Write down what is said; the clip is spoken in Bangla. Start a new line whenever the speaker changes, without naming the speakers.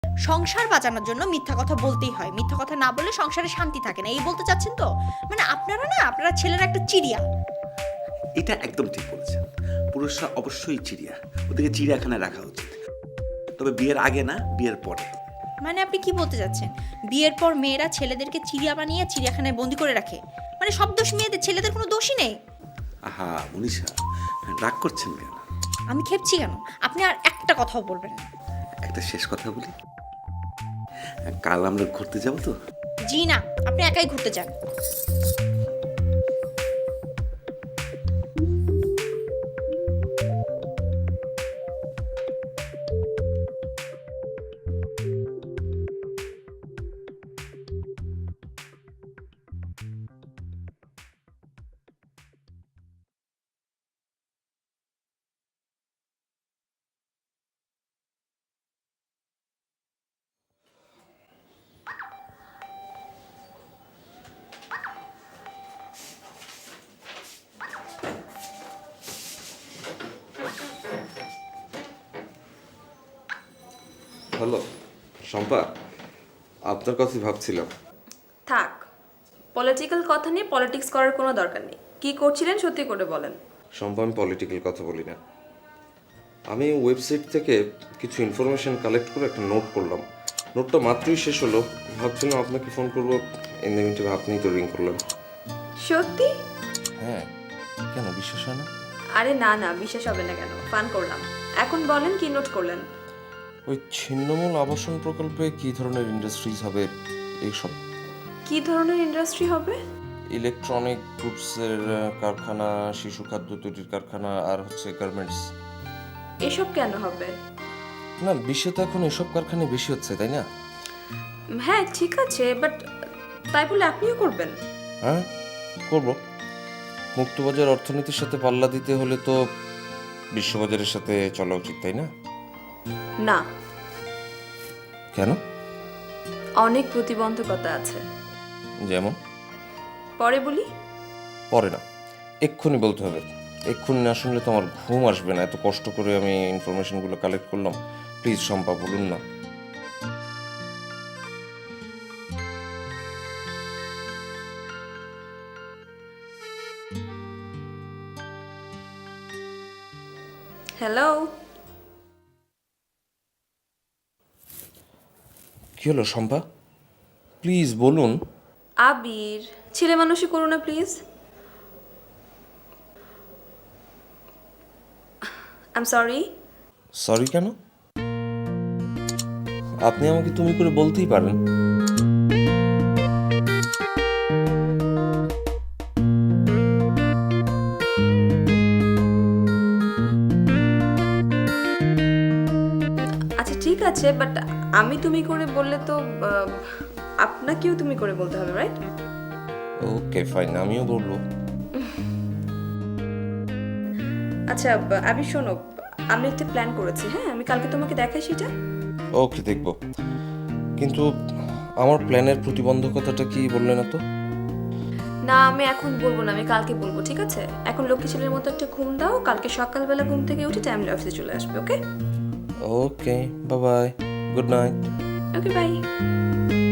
সংসার বাঁচানোর জন্য মিথ্যা কথা বলতেই হয়, মিথ্যা কথা না বললে সংসারে শান্তি থাকে না, এই বলতে চাচ্ছেন তো? মানে আপনারা ছেলেরা একটা চিড়িয়া।
এটা একদম ঠিক বলেছেন। পুরুষরা অবশ্যই চিড়িয়া, ওদেরকে চিড়িয়াখানায় রাখা উচিত। তবে বিয়ের আগে না, বিয়ের পরে।
মানে আপনি কি বলতে চাচ্ছেন? বিয়ের পর মেয়েরা ছেলেদেরকে চিড়িয়া বানিয়ে চিড়িয়াখানায় বন্দি করে রাখে? মানে সব দোষ মেয়েদের, ছেলেদের কোনো দোষই নেই?
আহা মনীষা, রাগ করছেন কেন?
আমি খেপছি কেন? আপনি আর একটা কথাও বলবেন না।
একটা শেষ কথা বলি, কাল আমরা ঘুরতে যাবো তো?
জি না, আপনি একাই ঘুরতে যান।
হ্যালো শম্পা, আপনার কথাই ভাবছিলাম।
থাক, পলিটিক্যাল কথা নিয়ে পলিটিক্স করার কোনো দরকার নেই। কি করছিলেন সত্যি করে বলেন।
শম্পা, আমি পলিটিক্যাল কথা বলি না। আমি ওয়েবসাইট থেকে কিছু ইনফরমেশন কালেক্ট করে একটা নোট করলাম। নোটটা মাত্রই শেষ হলো, ভাবছিলাম আপনাকে ফোন করবো, ইন দ্য মিনিটে আপনিই তো রিং করলেন।
সত্যি?
হ্যাঁ, কেন বিশ্বাস হয় না?
আরে না না, বিশ্বাস হবে না কেন, ফান করলাম। এখন বলেন কি নোট করলেন।
ওই ছিন্নমূল আবাসন প্রকল্পে কী ধরনের ইন্ডাস্ট্রিজ হবে এইসব।
কি ধরনের ইন্ডাস্ট্রি হবে?
ইলেকট্রনিক গুডসের কারখানা, শিশু খাদ্য তৈরির কারখানা, আর হচ্ছে গার্মেন্টস।
এসব কেন হবে?
না, বিশ্বে তো এখন এসব কারখানায় বেশি হচ্ছে, তাই না?
হ্যাঁ ঠিক আছে, বাট তাই বলে আপনিও করবেন?
হ্যাঁ, করব। মুক্তবাজার অর্থনীতির সাথে পাল্লা দিতে হলে তো বিশ্ববাজারের সাথে চলা উচিত, তাই না?
না,
কেন?
অনেক প্রতিবন্ধকতা আছে।
যেমন?
পরে বলি।
পরে না, এক্ষুনি বলতে হবে। এক্ষুনি না শুনলে তো আমার ঘুম আসবে না। এত কষ্ট করে আমি ইনফরমেশনগুলো কালেক্ট করলাম। প্লিজ শম্পা, বলুন না।
হ্যালো।
কি হলো শম্পা? প্লিজ বলুন।
আবির, ছেলে মানুষই করো না please. I am sorry.
Sorry কেন? আপনি আমাকে তুমি করে বলতেই পারেন।
আচ্ছা ঠিক আছে, বাট আমি তুমি করে বললে তো আপনাকেও তুমি করে বলতে হবে, রাইট?
ওকে ফাইন, আমিও বলবো।
আচ্ছা আমি শোনো, আমি একটা প্ল্যান করেছি। হ্যাঁ, আমি কালকে তোমাকে দেখাই সেটা।
ওকে, দেখবো। কিন্তু আমার প্ল্যানের প্রতিবন্ধকতাটা কি বললে না তো?
না, আমি এখন বলবো না, আমি কালকে বলবো, ঠিক আছে? এখন লক্ষ্মী ছেলের মতো একটা ঘুম দাও, কালকে সকালবেলা ঘুম থেকে উঠে টাইমলি অফিসে চলে আসবে। Okay?
Okay, bye bye, good night.
Okay, by.